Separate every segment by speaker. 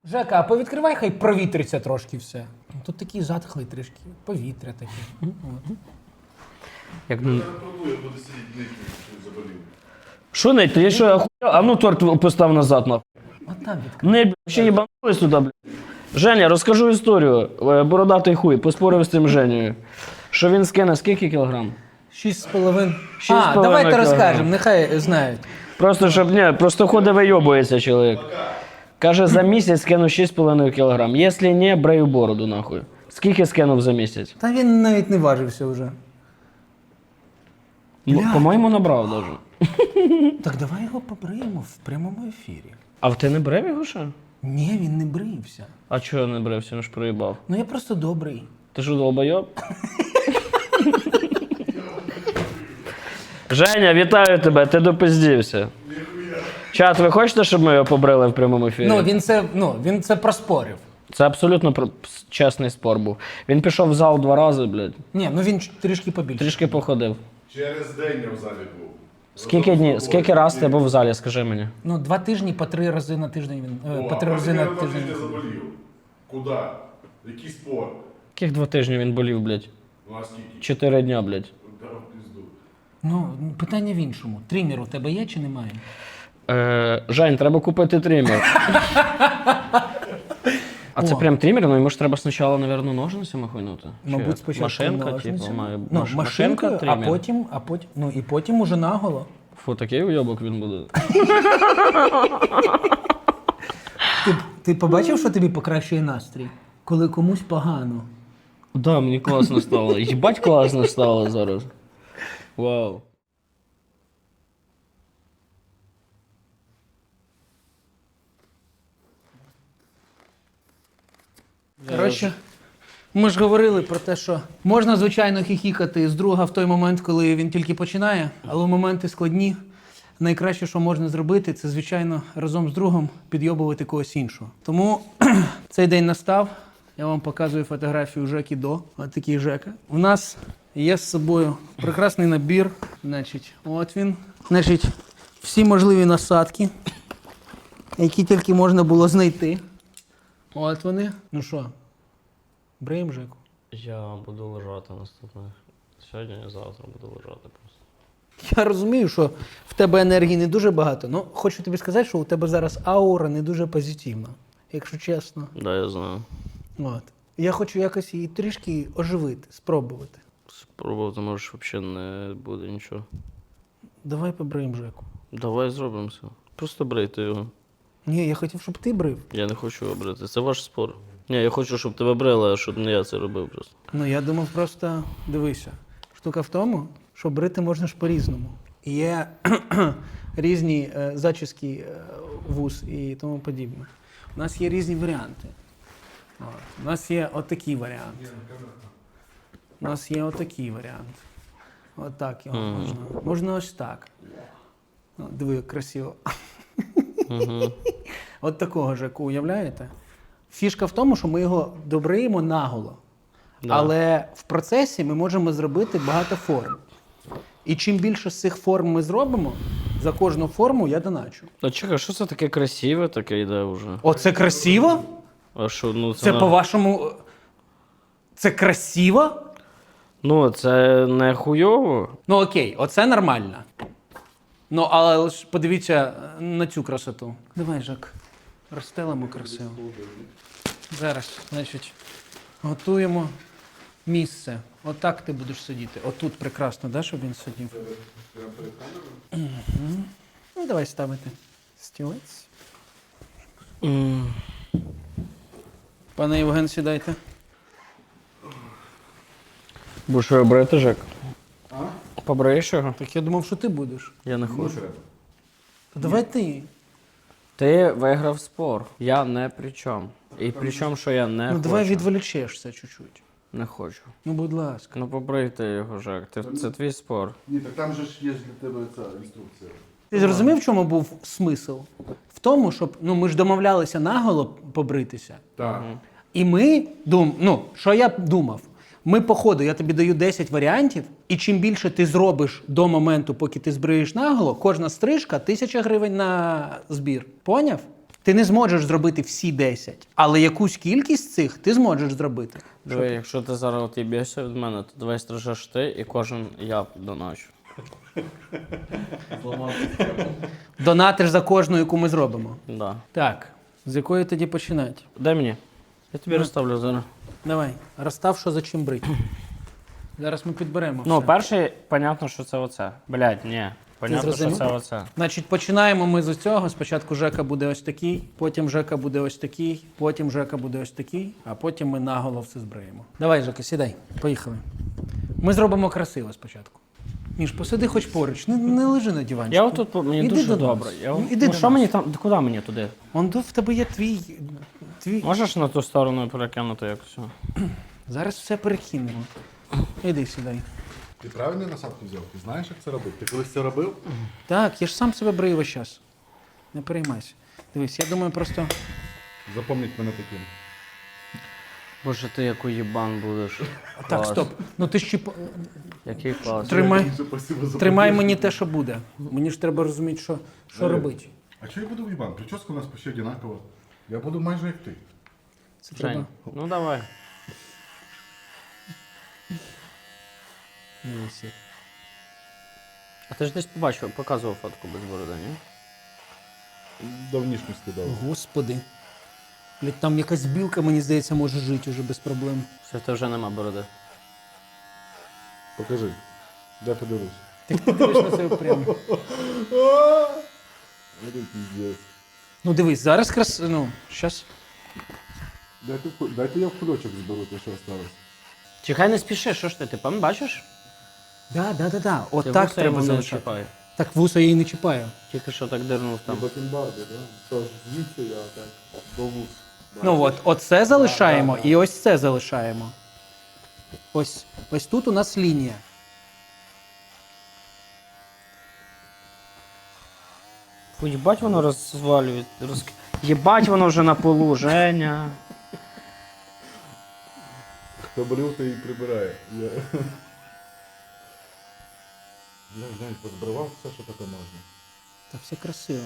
Speaker 1: Жека, а повідкривай, хай провітриться трошки все. Тут такий затхлий трішки, повітря таке.
Speaker 2: Як...
Speaker 3: Я буду сидіти нити, що заболів.
Speaker 2: Що нить? Ти що, охуєв? А ну торт постав назад, нахуй.
Speaker 1: От там відкрив.
Speaker 2: Нить, ще їбанулись туди, блядь. Женя, розкажу історію. Бородатий хуй, поспорив з цим Женєю. Що він скине скільки кілограм?
Speaker 1: 6,5.
Speaker 2: 6,5
Speaker 1: давайте
Speaker 2: кілограм.
Speaker 1: розкажемо, нехай знають.
Speaker 2: Просто, щоб, ні, просто ходить вийобується чоловік. Каже, за місяць скину 6,5 кілограм. Якщо не, брею бороду, нахуй. Скільки скинув за місяць?
Speaker 1: Та він навіть не важився вже.
Speaker 2: По-моєму, набрав даже.
Speaker 1: Так давай його побриємо в прямому ефірі.
Speaker 2: А ти не брив його ще?
Speaker 1: Ні, він не брився.
Speaker 2: А чого не брився? Він ж проїбав.
Speaker 1: Ну я просто добрий.
Speaker 2: Ти що, долбойоб? Женя, вітаю тебе, ти допиздівся. Чат, ви хочете, щоб ми його побрили в прямому ефірі?
Speaker 1: Він це проспорив.
Speaker 2: Це абсолютно чесний спор був. Він пішов в зал 2 рази, блядь.
Speaker 1: Ні, ну він трішки побільше.
Speaker 2: Трішки походив.
Speaker 3: Через день я в залі був.
Speaker 2: Скільки днів, скільки раз ти був в залі, скажи мені?
Speaker 1: Ну, 2 тижні по 3 рази на тиждень він. По 3 рази на тиждень.
Speaker 3: Я заболів. Куди? Який спор?
Speaker 2: Яких 2 тижні він болів, блядь?
Speaker 3: Ну а скільки?
Speaker 2: 4 дня, блядь.
Speaker 3: Дав пізду.
Speaker 1: Ну, питання в іншому. Трімер у тебе є чи немає?
Speaker 2: Жень, треба купити тример. А це прям тример? Ну йому ж треба спочатку, мабуть, ножницями хуйнути. Чи
Speaker 1: Мабуть,
Speaker 2: як?
Speaker 1: спочатку
Speaker 2: Машинка,
Speaker 1: ножницями.
Speaker 2: типу, має
Speaker 1: Ну, машинкою,
Speaker 2: тример.
Speaker 1: і потім уже наголо.
Speaker 2: Фу, такий уйобок він буде.
Speaker 1: Ти побачив, що тобі покращує настрій? Коли комусь погано.
Speaker 2: Да, мені класно стало. Їбать класно стало зараз. Вау.
Speaker 1: Коротше, ми ж говорили про те, що можна, звичайно, хіхікати з друга в той момент, коли він тільки починає, але в моменти складні. Найкраще, що можна зробити, це, звичайно, разом з другом підйобувати когось іншого. Тому цей день настав. Я вам показую фотографію Жеки до. Ось такий Жека. У нас є з собою прекрасний набір. Значить, от він. Значить, всі можливі насадки, які тільки можна було знайти. От вони. Ну що, бриєм Жеку?
Speaker 2: Я буду лежати наступне. Сьогодні і завтра буду лежати просто.
Speaker 1: Я розумію, що в тебе енергії не дуже багато, але хочу тобі сказати, що у тебе зараз аура не дуже позитивна, якщо чесно.
Speaker 2: Да, я знаю.
Speaker 1: От. Я хочу якось її трішки оживити, спробувати.
Speaker 2: Спробувати, може, взагалі не буде нічого.
Speaker 1: Давай побриємо Жеку.
Speaker 2: Давай зробимо все. Просто брийте його.
Speaker 1: Ні, я хотів, щоб ти брив.
Speaker 2: Я не хочу його брити. Це ваш спор. Ні, я хочу, щоб тебе брили, а щоб не я це робив просто.
Speaker 1: Ну, я думав просто, дивися, штука в тому, що брити можна ж по-різному. Є різні зачіски вуз і тому подібне. У нас є різні варіанти. От. У нас є отакий варіант. У нас є отакий варіант. Отак його можна. Можна ось так. О, диви, як красиво. От такого Жеку, уявляєте? Фішка в тому, що ми його добриємо наголо.
Speaker 2: Да.
Speaker 1: Але в процесі ми можемо зробити багато форм. І чим більше з цих форм ми зробимо, за кожну форму я доначу.
Speaker 2: А чекай, що це таке красиве таке йде вже?
Speaker 1: Оце красиво?
Speaker 2: А що, ну це...
Speaker 1: Це по-вашому... Це красиво?
Speaker 2: Ну, це не хуйово.
Speaker 1: Ну окей, оце нормально. Ну, але ж подивіться на цю красоту. Давай, Жак, розстелимо красиво. Зараз, значить, готуємо місце. Отак ти будеш сидіти. Отут прекрасно, да, щоб він сидів? Угу. Ну, давай ставити стілець. Пане Євген, сідайте.
Speaker 2: Будеш його брати, Жек? Побриєш його?
Speaker 1: Так я думав, що ти будеш.
Speaker 2: Я не хочу.
Speaker 1: То давай ти.
Speaker 2: Ти виграв спор. Я не при чому. І при чому, що я не
Speaker 1: Ну,
Speaker 2: хочу.
Speaker 1: давай відволічешся чуть-чуть.
Speaker 2: Не хочу.
Speaker 1: Ну, будь ласка.
Speaker 2: Ну побрийте його, Жек. Це твій спор.
Speaker 3: Ні, так там же ж є для тебе ця інструкція.
Speaker 1: Ти зрозумів, в чому був смисл? В тому, щоб, ну, ми ж домовлялися наголо побритися.
Speaker 3: Так.
Speaker 1: І ми, що я думав? Ми по ходу, я тобі даю 10 варіантів, і чим більше ти зробиш до моменту, поки ти збриєш наголо, кожна стрижка 1000 гривень на збір. Поняв? Ти не зможеш зробити всі 10, але якусь кількість цих ти зможеш зробити.
Speaker 2: Диви, якщо ти зараз от їбєшся від мене, то давай стрижеш ти і кожен я доначу.
Speaker 1: Донатиш за кожну, яку ми зробимо.
Speaker 2: Да.
Speaker 1: Так, з якої тоді починати?
Speaker 2: Дай мені. Я тобі розставлю зараз.
Speaker 1: Давай, розстав, що за чим брить. Зараз ми підберемо.
Speaker 2: Ну,
Speaker 1: все.
Speaker 2: перший, понятно, що це оце. Блядь, ні. Понятно, що
Speaker 1: зрозумів?
Speaker 2: це оце.
Speaker 1: Значить, починаємо ми з цього. Спочатку Жека буде ось такий, потім Жека буде ось такий, потім Жека буде ось такий, а потім ми наголо все збриємо. Давай, Жека, сідай. Поїхали. Ми зробимо красиво спочатку. Міш, посиди хоч поруч, не лежи на диванчику.
Speaker 2: Я отут, мені
Speaker 1: Іди
Speaker 2: дуже
Speaker 1: до нас.
Speaker 2: добре.
Speaker 1: Іди
Speaker 2: Ну,
Speaker 1: до
Speaker 2: що
Speaker 1: нас.
Speaker 2: мені там, куди мені туди?
Speaker 1: Он в тебе є твій.
Speaker 2: Можеш на ту сторону перекинути якось?
Speaker 1: Зараз все перекинемо. Іди сідай.
Speaker 3: Ти правильні насадки взяв? Ти знаєш, як це робити? Ти колись це робив?
Speaker 1: Так, я ж сам себе брию весь час. Не переймайся. Дивись, я думаю, просто.
Speaker 3: Запам'ять мене таким.
Speaker 2: Боже, ти як уєбан будеш.
Speaker 1: Так, стоп. Ну ти ж
Speaker 2: Який клас.
Speaker 1: Тримай.
Speaker 3: Спасибо за
Speaker 1: Тримай
Speaker 3: поддержку.
Speaker 1: мені те, що буде. Мені ж треба розуміти, що робити.
Speaker 3: А що я буду в Іван? Прическа у нас почти одинакова. Я буду майже як ти.
Speaker 1: Це треба.
Speaker 2: Жень, ну давай.
Speaker 1: Дивись.
Speaker 2: А ти ж десь побачив, показував фотку без бороди, ні?
Speaker 3: Давнішню скидав.
Speaker 1: Господи. Блядь, там якась білка, мені здається, може жити уже без проблем.
Speaker 2: Все, в тебе вже нема бороди.
Speaker 3: Покажи. Дай подивлюсь.
Speaker 1: Ти дивиш на себе прямо.
Speaker 3: Це піздець.
Speaker 1: Ну дивись, зараз ну, щас.
Speaker 3: Дайте я в кульочок зберу, те, що осталось.
Speaker 2: Чекай, не спіши, що ж ти пам бачиш?
Speaker 1: Да. От
Speaker 2: Ти
Speaker 1: так
Speaker 2: вуса
Speaker 1: треба
Speaker 2: йому не
Speaker 1: залишати.
Speaker 2: чіпай.
Speaker 1: Так вуса я її не чіпаю.
Speaker 2: Тільки що так дирнув там.
Speaker 3: Бакенбарди, так? Тож звідси я так до вуз.
Speaker 1: Ну от це залишаємо і ось це залишаємо. Ось тут у нас лінія.
Speaker 2: Фу, їбать воно розвалює. Єбать воно вже на полу, Женя.
Speaker 3: Хто болів, той і прибирає. Я Жень, позбривав все, що таке можна.
Speaker 1: Та все красиво.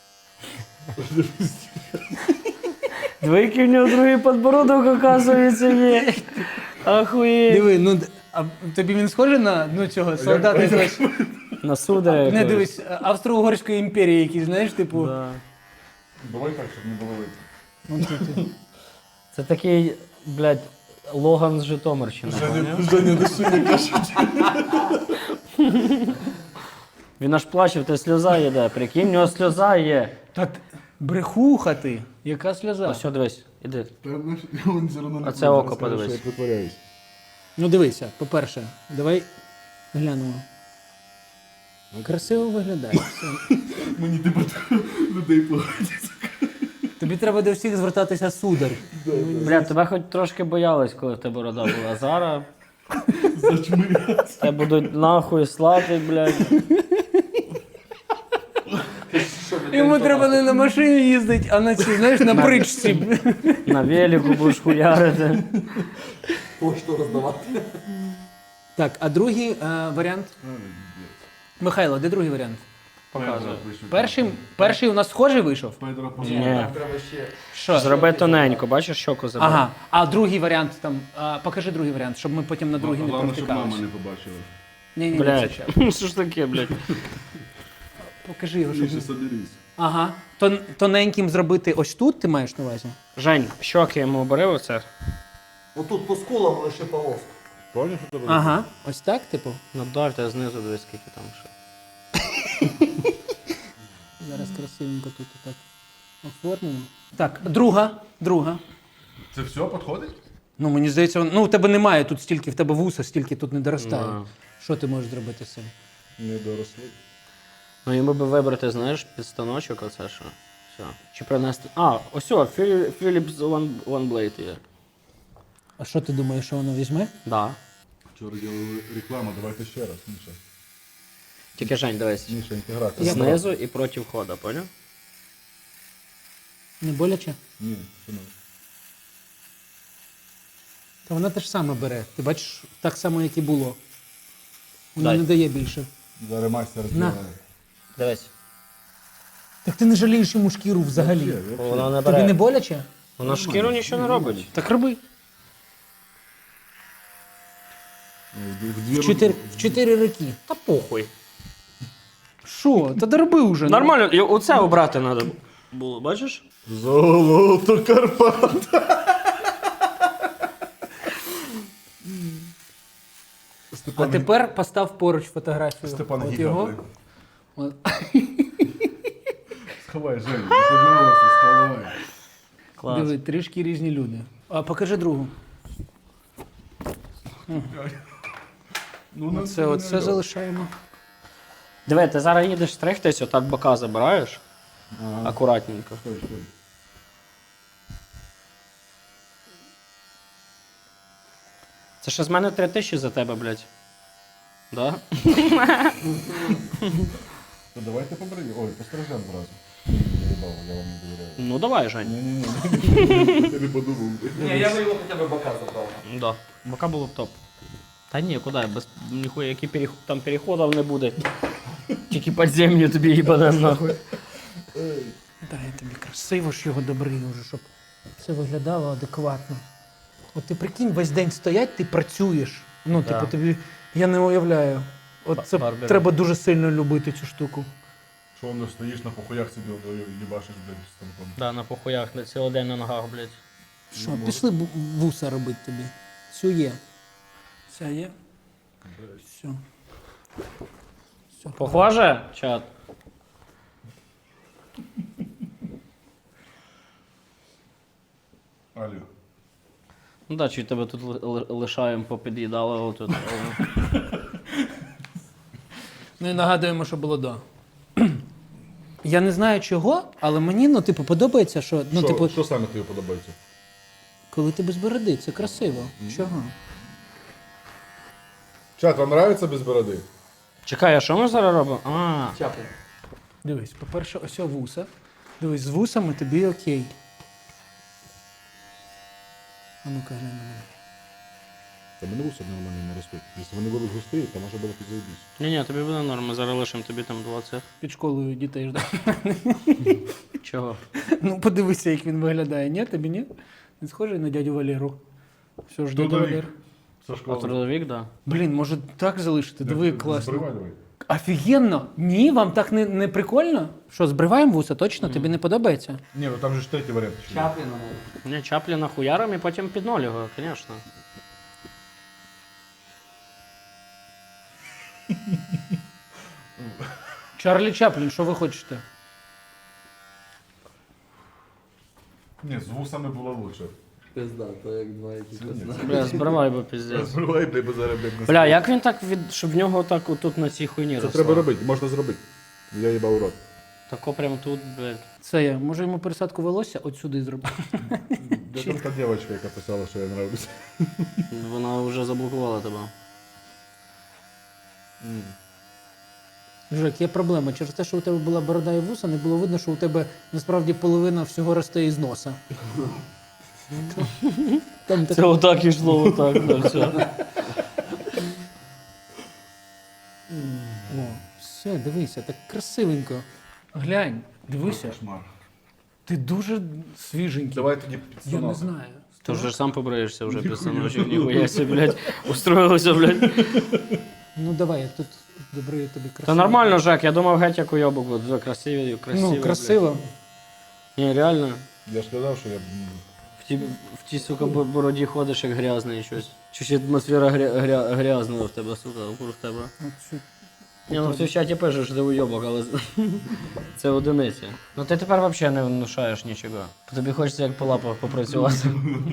Speaker 2: Диви, який в нього другий подбородок, оказується, є. Ахуєть.
Speaker 1: Диви, ну а тобі він схожий на цього солдата з
Speaker 2: На сударя.
Speaker 1: не
Speaker 2: якогось.
Speaker 1: дивись, Австро-Угорської імперії, який, знаєш, типу.
Speaker 2: Да.
Speaker 3: Давай так, щоб не було видно.
Speaker 1: Ну, ти.
Speaker 2: Це такий, блядь, Логан з Житомирщини. поняв?
Speaker 3: Женя, душі не кажуть.
Speaker 2: Він аж плаче, в те сльоза їде. Прикинь, в нього сльоза є.
Speaker 1: Та брехуха ти, яка сльоза.
Speaker 2: Ось, дивись, іди.
Speaker 3: Та знаєш, він все одно не
Speaker 2: А це
Speaker 3: буде,
Speaker 2: око
Speaker 3: скаже,
Speaker 2: подивись.
Speaker 3: що я притворяюсь.
Speaker 1: Ну дивися, по-перше, давай глянемо. Красиво виглядає. все.
Speaker 3: Мені тепер людей погодять.
Speaker 1: Тобі треба до всіх звертатися сударь.
Speaker 2: Бля, тебе хоч трошки боялись, коли в тебе борода була. Зараз
Speaker 3: Зачмиряться.
Speaker 2: тебе будуть нахуй слати, блядь.
Speaker 1: Йому треба не на машині їздити, а на цій, знаєш, на бричці.
Speaker 2: На велику будеш хуярити.
Speaker 4: Пошту роздавати.
Speaker 1: Так, а другий варіант. Михайло, де другий варіант?
Speaker 2: Показуй.
Speaker 1: Перший у нас схожий вийшов?
Speaker 3: Педро
Speaker 2: Ні.
Speaker 4: Треба ще.
Speaker 1: Що?
Speaker 2: Зроби тоненько, бачиш, щоку забери.
Speaker 1: Ага, а другий варіант там. Покажи другий варіант, щоб ми потім на другий не
Speaker 3: Головне, щоб мама
Speaker 1: провтикалися.
Speaker 3: не побачила.
Speaker 1: Ні,
Speaker 2: Блядь, що ж таке, блядь?
Speaker 1: Покажи його, щоб.
Speaker 3: Міша, соберись.
Speaker 1: Ага. Тоненьким зробити ось тут, ти маєш на увазі?
Speaker 2: Жень, щоки йому обери оце.
Speaker 4: Отут по скулам лише полоску.
Speaker 3: Поняв, що тебе?
Speaker 1: Ага. Ось так, типу.
Speaker 2: Надавте знизу, дивись, скільки там ще.
Speaker 1: Зараз красивенько тут так оформимо. Так, друга.
Speaker 3: Це все підходить?
Speaker 1: Ну, мені здається, ну у тебе немає тут стільки, в тебе вуса, стільки тут не доростає.
Speaker 2: Да.
Speaker 1: Що ти можеш зробити з цим?
Speaker 3: Не доросли.
Speaker 2: Ну йому би вибрати, знаєш, під станочок оце що. Все. Чи принести. А, ось о, Philips One Blade є.
Speaker 1: А що ти думаєш, що воно візьме?
Speaker 2: Да.
Speaker 3: Вчора робили рекламу, давайте ще раз, Міша.
Speaker 2: Тільки Жень, дивись.
Speaker 3: Міша, інтеграція.
Speaker 2: Знизу і проти входа, поняв?
Speaker 1: Не боляче?
Speaker 3: Ні, це не.
Speaker 1: Та вона те ж саме бере. Ти бачиш, так само, як і було. Вона
Speaker 2: Дай.
Speaker 1: не дає більше.
Speaker 3: Зараз майстер
Speaker 1: На.
Speaker 3: зробив.
Speaker 2: Дивись.
Speaker 1: Так ти не жалієш йому шкіру взагалі.
Speaker 2: Вона не
Speaker 1: Тобі не
Speaker 2: бере.
Speaker 1: боляче?
Speaker 2: Вона шкіру нічого не робить.
Speaker 1: Так роби. В 4 роки.
Speaker 2: Та похуй.
Speaker 1: Що? Та дороби вже. ну.
Speaker 2: Нормально, і оце обрати треба було, бачиш?
Speaker 3: Золото Карпат.
Speaker 1: А тепер постав поруч фотографію.
Speaker 3: Степан
Speaker 1: От
Speaker 3: Гіга,
Speaker 1: його.
Speaker 3: блин.
Speaker 1: От.
Speaker 3: Сховай, Женя, пожалуйста, сховай.
Speaker 2: Клас.
Speaker 1: Диви, трішки різні люди. А покажи другу.
Speaker 3: Ну,
Speaker 1: Оце залишаємо.
Speaker 2: Диви, ти зараз їдеш стригтись, отак бока забираєш. Акуратненько. Це ще з мене 3000 за тебе, блядь. Да?
Speaker 3: То давайте побриємо. Ой, пострижемо зразу. Я їбав, я вам не довіряю.
Speaker 2: Ну давай, Жень.
Speaker 3: Ні-ні-ні. Ти не подумав.
Speaker 4: Не, я бы его хотя бы бока забрал.
Speaker 2: Да. Бока було б топ. Та ні, куди? Без ніхуя, які там переходів не буде. Тільки підземні тобі їбанем нахуй.
Speaker 1: Дай тобі красиво ж його добрий вже, щоб це виглядало адекватно. От ти прикинь, весь день стоять, ти працюєш. Ну,
Speaker 2: Да.
Speaker 1: типу, тобі. Я не уявляю. От це
Speaker 2: Барбер.
Speaker 1: треба дуже сильно любити цю штуку.
Speaker 3: Що воно стоїш на похуях собі їбашиш, блядь, з станком.
Speaker 2: Да, на похуях, на цілий день на ногах, блядь.
Speaker 1: Що, пішли вуса робити тобі. Все є. Все є. Все. Все.
Speaker 2: Похоже, чат?
Speaker 3: Алло.
Speaker 2: Ну да, чи тебе тут лишаємо попід'їдали отут.
Speaker 1: Ну і нагадуємо, що було до. Я не знаю чого, але мені, ну, типу, подобається, що. Ну, типу,
Speaker 3: Що саме тобі подобається?
Speaker 1: коли ти без бороди, це красиво. Чого?
Speaker 3: Чат, вам нравиться без бороди?
Speaker 2: Чекай, а що ми зараз робимо? А,
Speaker 4: Чаплин.
Speaker 1: Дивись, по-перше, ось вуса. Дивись, з вусами тобі окей. А ну-ка, глянь на мене.
Speaker 3: Та мене вуса нормально не ростуть. Якщо вони будуть густі, то може буде підзайбісь.
Speaker 2: ні, тобі буде норм, ми зараз лишимо тобі там 20.
Speaker 1: Під школою дітей ждав.
Speaker 2: Чого?
Speaker 1: Ну, подивися, як він виглядає. Ні, тобі ні? Він схожий на дядю Валеру. Все ж дядя
Speaker 3: Трудовик.
Speaker 1: Валер.
Speaker 3: Со
Speaker 2: А
Speaker 3: школи.
Speaker 2: трудовик, да.
Speaker 1: Блін, може так залишити? Диви, класно.
Speaker 3: Збривай, давай.
Speaker 1: Офігенно! Ні, вам так не прикольно? Що, збриваємо вуса, точно? Тобі не подобається?
Speaker 3: Ні, ну там же ж третій варіант. ще є.
Speaker 4: Чаплина надо.
Speaker 2: Ні, Чапліна хуяром і потім під ноль його, звісно.
Speaker 1: Чарлі Чаплін, що ви хочете?
Speaker 3: Ні, з вусами було лучше.
Speaker 4: Пизда, то як два якісь.
Speaker 2: Бля, збривай, бо піздець.
Speaker 3: Збривай, бо зараз, блядь, не
Speaker 2: Бля, як він так щоб в нього так отут на цій хуйні
Speaker 3: Це
Speaker 2: росло?
Speaker 3: треба робити, можна зробити. Я їбав у рот.
Speaker 2: Тако прям тут, блядь.
Speaker 1: Це я. Може йому пересадку волосся от сюди зробити?
Speaker 3: Де там та дівчинка, яка писала, що я нравлюся?
Speaker 2: Вона вже заблокувала тебе.
Speaker 1: Жек, є проблема. Через те, що у тебе була борода і вуса, не було видно, що у тебе насправді половина всього росте із носа. Там
Speaker 2: Це отак ішло, отак, да, все.
Speaker 1: О, все, дивися, так красивенько. Глянь, дивися.
Speaker 3: Кошмар.
Speaker 1: Ти дуже свіженький.
Speaker 3: Давай тоді
Speaker 1: Я не
Speaker 3: підсунок.
Speaker 1: знаю.
Speaker 2: Ти вже сам побриєшся вже після ночі, ніхуя себе, блядь, устроїлося, блядь.
Speaker 1: Ну давай, я тут добре тобі красиво.
Speaker 2: Та нормально, Жек, я думав геть як уйобок, бо дуже красиві, красиві.
Speaker 1: Ну, красиво.
Speaker 2: блядь. Ні, реально.
Speaker 3: Я ж казав, що я...
Speaker 2: В тій, сука, бороді ходиш як грязний щось. Чуть атмосфера грязна в тебе, сука, вокруг тебе.
Speaker 1: От що-
Speaker 2: Ні, ну ти в чаті пишеш, що ти уйобок, але це одиниці. Ну ти тепер взагалі не внушаєш нічого. Тобі хочеться як по лапах попрацювати.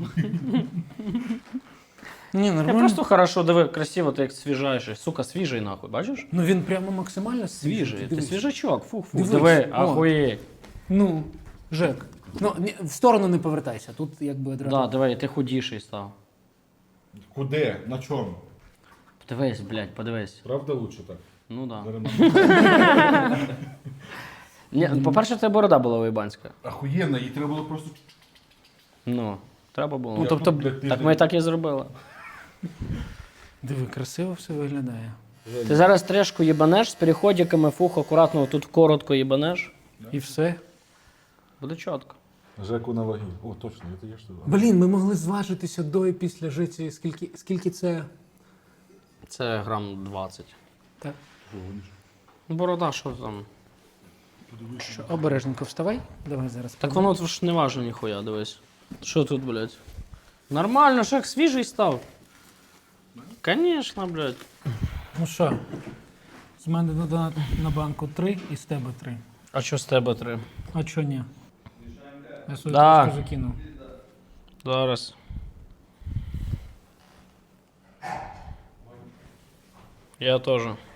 Speaker 1: Ні,
Speaker 2: Я
Speaker 1: нормально.
Speaker 2: просто хорошо, диви, красиво, ти як свіжаєш. Сука, свіжий нахуй, бачиш?
Speaker 1: Ну він прямо максимально
Speaker 2: Свіжий, ти
Speaker 1: Дивись.
Speaker 2: свіжачок, фух-фух.
Speaker 1: Дивись,
Speaker 2: Диви,
Speaker 1: о.
Speaker 2: ахуєть.
Speaker 1: Ну, Жек. Ну, в сторону не повертайся. Тут якби одразу.
Speaker 2: Да, диви, ти худіший став.
Speaker 3: Куди? На чому?
Speaker 2: Подивись, блядь, подивись.
Speaker 3: Правда лучше так?
Speaker 2: Ну да.
Speaker 3: Зараз
Speaker 2: Ні, по-перше, це борода була уєбанська.
Speaker 3: Охуєнно, їй треба було просто...
Speaker 2: Ну, треба було.
Speaker 1: Ну, тобто,
Speaker 2: Так ми так і зробили.
Speaker 1: Диви, красиво все виглядає.
Speaker 2: Ти зараз трешку їбанеш з переходиками, фух, акуратно тут коротко їбанеш.
Speaker 1: І все.
Speaker 2: Буде чітко.
Speaker 3: Жеку на ваги. О, точно, це є що.
Speaker 1: Блін, ми могли зважитися до і після життя. Скільки це?
Speaker 2: Це грам 20.
Speaker 1: Так.
Speaker 2: Борода, що там?
Speaker 1: Що, обережненько вставай. Давай зараз.
Speaker 2: Так воно ж не важно ніхуя, дивись. Що тут, блядь? Нормально, ж як свіжий став. Конечно, блядь.
Speaker 1: Ну що, з мене на банку 3 і з тебе 3.
Speaker 2: А що з тебе 3?
Speaker 1: А чого ні? Я свою
Speaker 2: Да.
Speaker 1: трошки закинув.
Speaker 2: Зараз. Я теж.